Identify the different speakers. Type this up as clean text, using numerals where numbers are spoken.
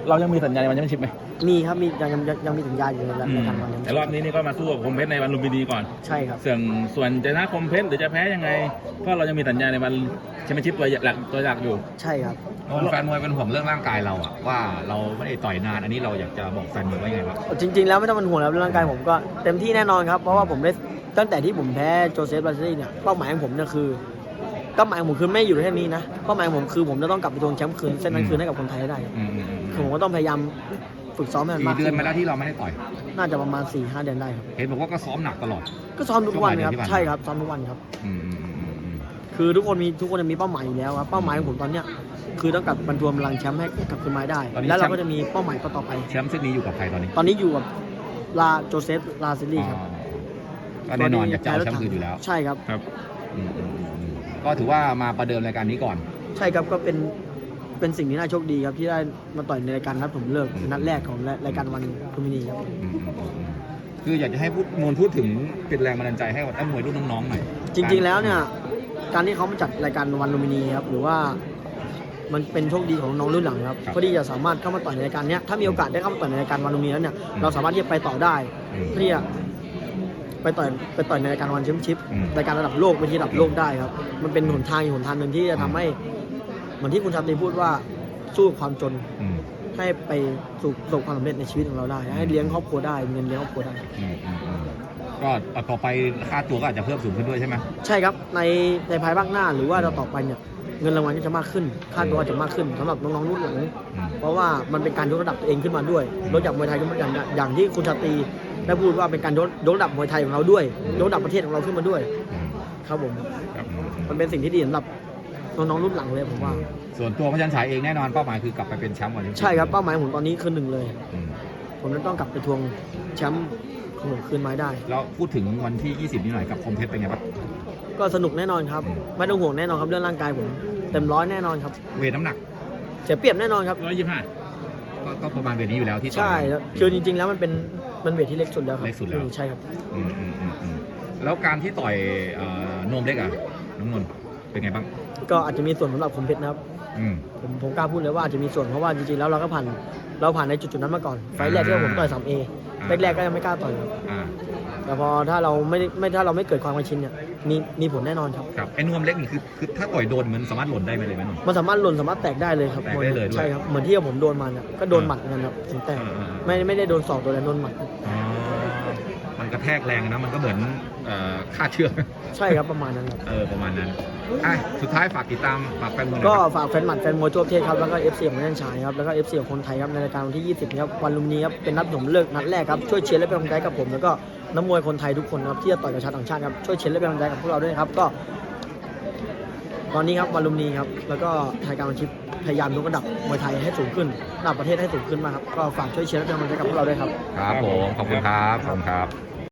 Speaker 1: เรายังมีสัญญาในวันแชมเปี้ยนชิพไหม
Speaker 2: มีครับมียังมีสัญญาอยู่ในการวันนี้
Speaker 1: แต่รอบนี้นี่ก็มาสู้กับคมเพชรในวันลุมพินีก่อน
Speaker 2: ใช่ครับ
Speaker 1: ส่วนจะชนะคมเพชรหรือจะแพ้ยังไงเพราะเรายังมีสัญญาในวันแชมเปี้ยนชิพตัวหลักอยู่
Speaker 2: ใช่ครับ
Speaker 3: แฟนมวยเป็นห่วงเรื่องร่างกายเราอะว่าเราไม่ได้ต่อยนานอันนี้เราอยากจะบอกแฟนมวยว่าไงครับ
Speaker 2: จริงๆแล้วไม่ต้องเป็นห่วงแล้วร่างกายผมก็เต็มที่แน่นอนครับเพราะว่าผมได้ตั้งแต่ที่ผมแพ้โจเซฟบราซิลีเนี่ยเป้าหมายของผมเนี่ยคือเป้าหมายของผมคือไม่อยู่แค่นี้นะเป้าหมายของผมคือผมจะต้องกลับไปทวงแชมป์คืนเส้นนั้นคืนให้กับคนไทยให้ได้คือผมก็ต้องพยายามฝึกซ้อมให้มันมาก
Speaker 3: กี่เดือนมาแล้วที่เราไม่ได้ต่อย
Speaker 2: น่าจะประมาณ 4-5 เดือนได้ครับ
Speaker 3: เห็นบอกว่าก็ซ้อมหนักตลอด
Speaker 2: ก็ซ้อมทุกวันครับใช่ครับซ้อมทุกวันครับคือทุกคนจะมีเป้าหมายอยู่แล้วครับเป้าหมายของผมตอนเนี้ยคือต้องกลับบรรทวมพลังแชมป์ให้กลับคืนมาได้แล้วเราก็จะมีเป้าหมายต่อไป
Speaker 3: แชมป์เส้นนี้อยู่กับใครตอนนี้
Speaker 2: อยู่กับโจเซฟลาซิลี่ครับ
Speaker 3: ก็แน่นอนอยากจะเอาแชมป์คืนอยู่แล้ว
Speaker 2: ใช่ครับ
Speaker 3: ก็ถือว่ามาประเดิมรายการนี้ก่อน
Speaker 2: ใช่ครับก็เป็นสิ่งที่น่าโชคดีครับที่ได้มาต่อยในรายการนัดผมเลิกนัดแรกของรายการวันลุมพินีครับ
Speaker 3: คืออยากจะให้พูดถึงเป็นแรงบันดาลใจให้กับนักมวยรุ่นน้องๆหน่อย
Speaker 2: จริงๆแล้วเนี่ยการที่เขามาจัดรายการวันลุมพินีครับหรือว่ามันเป็นโชคดีของน้องรุ่นหลังครับเพื่อที่จะสามารถเข้ามาต่อยในรายการนี้ถ้ามีโอกาสได้เข้ามาต่อยในรายการวันลุมพินีแล้วเนี่ยเราสามารถที่จะไปต่อได้เพื่อที่จะไปต่อยในรายการวันแชมเปี้ยนชิพรายการระดับโลกเป็นที่ระดับโลกได้ครับมันเป็นหนทางหนึ่งที่จะทำให้เหมือนที่คุณชาตรีพูดว่าสู้ความจนให้ไปประสบความสำเร็จในชีวิตของเราได้ให้เลี้ยงครอบครัวได้เงินเลี้ยงครอบครัวได้
Speaker 3: ก็ต่อไปค่าตัวก็อาจจะเพิ่มสูงขึ้นด้วยใช่ไหม
Speaker 2: ใช่ครับในภายภาคหน้าหรือว่าต่อไปเนี่ยเงินรางวัลก็จะมากขึ้นค่าตัวจะมากขึ้นสำหรับน้องๆรุ่นหลังเพราะว่ามันเป็นการยกระดับตัวเองขึ้นมาด้วยลดจากมวยไทยขึ้นมาอย่างที่คุณชาตรีได้พูดว่าเป็นการยกระดับมวยไทยของเราด้วยยกระดับประเทศของเราขึ้นมาด้วยครับผมมันเป็นสิ่งที่ดีสำหรับน้องๆรุ่นหลังเลยผมว่า
Speaker 3: ส่วนตัวพระจันทร์ฉายเองแน่นอนเป้าหมายคือกลับไปเป็นแชมป์วันนี้
Speaker 2: ใช่ครับเป้าหมายผมตอนนี้คือ1เลยผมจะต้องกลับไปทวงแชมป์ของผมคืนมาได้
Speaker 3: แล้วพูดถึงวันที่20นี้หน่อยกับคมเพชรเป็นไงบ้าง
Speaker 2: ก็สนุกแน่นอนครับไม่ต้องห่วงแน่นอนครับเรื่องร่างกายผมเต็มร้อยแน่นอนครับ
Speaker 3: เวทน้ำหนัก
Speaker 2: เสียเปรียบแน่นอนครับ
Speaker 3: 125ก็ประมาณเวทนี้อยู่แล้วที่
Speaker 2: ใช่คือจริงๆแล้วมันเวทที่เล็กสุดแล้วครับ
Speaker 3: เล็กสุดแล้ว
Speaker 2: ใช่ครับ
Speaker 3: แล้วการที่ต่อยโนมเล็กน้องนนท์เป็นไงบ้าง
Speaker 2: ก็อาจจะมีส่วนสำหรับคมเพชรนะครับผมกล้าพูดเลยว่าอาจจะมีส่วนเพราะว่าจริงๆแล้วเราผ่านในจุดนั้นมาก่อนไฟแรกที่ผมต่อย 3A แรกๆก็ยังไม่กล้าต่อยครับแต่พอถ้าเราไม่เกิดความเคยชินเนี่ยมีผลแน่นอนครับ
Speaker 3: ไอ้นวมเล็กนี่คือถ้าต่อยโดนมันสามารถหล่นได้ไหมเลยไหม
Speaker 2: มันสามารถหล่นสามารถแตกได้เลยครับ
Speaker 3: แตกได้เลย
Speaker 2: ใช่ครับเหมือนที่ผมโดนมันก็โดนหมัดกันครับถึงแตกไม่ได้โดนศอกตัวแต่โดนหมัด
Speaker 3: มันกระแทกแรงนะมันก็เหมือนฆ่าเชือก
Speaker 2: ใช่ครับประมาณนั้นครับ
Speaker 3: ประมาณนั้นสุดท้ายฝากติดตามฝากแฟนมวย
Speaker 2: ก็ฝากแฟนหมัดแฟนมวยทั่วประเทศครับแล้วก็ FC ของแม่นชายครับแล้วก็ FC ของคนไทยครับในรายการวันที่20ครับวันลุมพินีครับเป็นนัดผมเลิกนัดแรกครับช่วยเชียร์และเป็นกำลังใจกับผมแล้วก็นักมวยคนไทยทุกคนครับที่จะต่อยกับชาวต่างชาติครับช่วยเชียร์และเป็นกำลังใจกับพวกเราด้วยครับก็ตอนนี้ครับวันลุมพินีครับแล้วก็ไทยการบัญชีพยายามยกระดับมวยไทยให้สูงขึ้นระดับประเทศให้สูงขึ้นมาครับก็ฝากช่วยเชียร์และเป็นกำลังใจกับพวกเราด้วยครับ
Speaker 3: ครับผมขอบคุณครับ